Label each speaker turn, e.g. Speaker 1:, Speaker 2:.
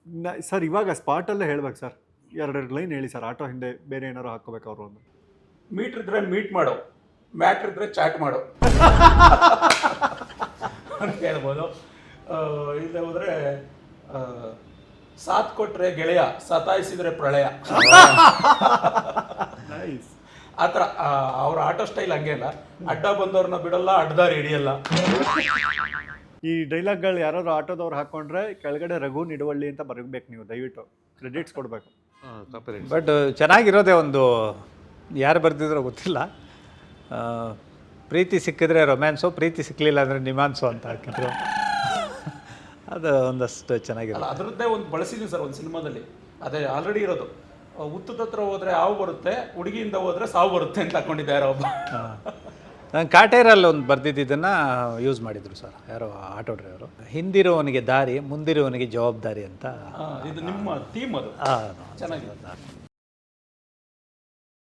Speaker 1: Sir ಇವಾಗ ಸ್ಪಾಟಲ್ಲೇ ಹೇಳ್ಬೇಕು sir, ಎರಡೆರಡು ಲೈನ್ ಹೇಳಿ ಸರ್. ಆಟೋ ಹಿಂದೆ ಬೇರೆ ಏನಾರು ಹಾಕೋಬೇಕು ಅವರು ಅಂದ್ರೆ.
Speaker 2: ಮೀಟ್ರ್ ಇದ್ರೆ ಮೀಟ್ ಮಾಡು, ಮ್ಯಾಟ್ರ್ ಇದ್ರೆ ಚಾಟ್ ಮಾಡು ಅಂತ ಹೇಳ್ಬೋದು. ಇಲ್ಲದೆ ಹೋದರೆ ಸಾಥ್ ಕೊಟ್ರೆ ಗೆಳೆಯ, ಸತಾಯಿಸಿದ್ರೆ ಪ್ರಳಯ.
Speaker 1: ನೈಸ್.
Speaker 2: ಆ ಥರ ಅವ್ರ ಆಟೋ ಸ್ಟೈಲ್ ಹಂಗೆ ಅಲ್ಲ, ಅಡ್ಡ ಬಂದವ್ರನ್ನ ಬಿಡಲ್ಲ, ಅಡ್ಡದಾರಿ ಹಿಡಿಯಲ್ಲ.
Speaker 1: ಈ ಡೈಲಾಗ್ಗಳು ಯಾರು ಆಟೋದವ್ರು ಹಾಕೊಂಡ್ರೆ ಕೆಳಗಡೆ ರಘು ನಿಡುವಳ್ಳಿ ಅಂತ ಬರಬೇಕು, ನೀವು ದಯವಿಟ್ಟು ಕ್ರೆಡಿಟ್ಸ್ ಕೊಡಬೇಕು.
Speaker 3: ಬಟ್ ಚೆನ್ನಾಗಿರೋದೇ ಒಂದು, ಯಾರು ಬರ್ತಿದ್ರೋ ಗೊತ್ತಿಲ್ಲ, ಪ್ರೀತಿ ಸಿಕ್ಕಿದ್ರೆ ರೊಮ್ಯಾನ್ಸು, ಪ್ರೀತಿ ಸಿಕ್ಕಲಿಲ್ಲ ಅಂದರೆ ನಿಮಾನ್ಸು ಅಂತ ಹಾಕಿದ್ರು. ಅದು ಒಂದಷ್ಟು ಚೆನ್ನಾಗಿರಲ್ಲ.
Speaker 2: ಅದರದ್ದೇ ಒಂದು ಬಳಸಿದ್ದೀನಿ ಸರ್ ಒಂದು ಸಿನಿಮಾದಲ್ಲಿ, ಅದೇ ಆಲ್ರೆಡಿ ಇರೋದು. ಹುತ್ತದ ಹತ್ರ ಹೋದರೆ ಹಾವು ಬರುತ್ತೆ, ಹುಡುಗಿಯಿಂದ ಹೋದರೆ ಸಾವು ಬರುತ್ತೆ ಅಂತ ಹಾಕೊಂಡಿದ್ದೆ ಯಾರೋ ಒಬ್ಬ.
Speaker 3: ನಾನು ಕಾಟೇರಲ್ಲಿ ಒಂದು ಬರ್ದಿದ್ದನ್ನು ಯೂಸ್ ಮಾಡಿದರು ಸರ್, ಯಾರೋ ಆಟೋ ಡ್ರೈವರು. ಹಿಂದಿರುವವನಿಗೆ ದಾರಿ, ಮುಂದಿರುವವನಿಗೆ ಜವಾಬ್ದಾರಿ ಅಂತ.
Speaker 2: ಇದು ನಿಮ್ಮ ಥೀಮ್ ಅದು
Speaker 3: ಹಾಂ,
Speaker 2: ಚೆನ್ನಾಗಿದೆ.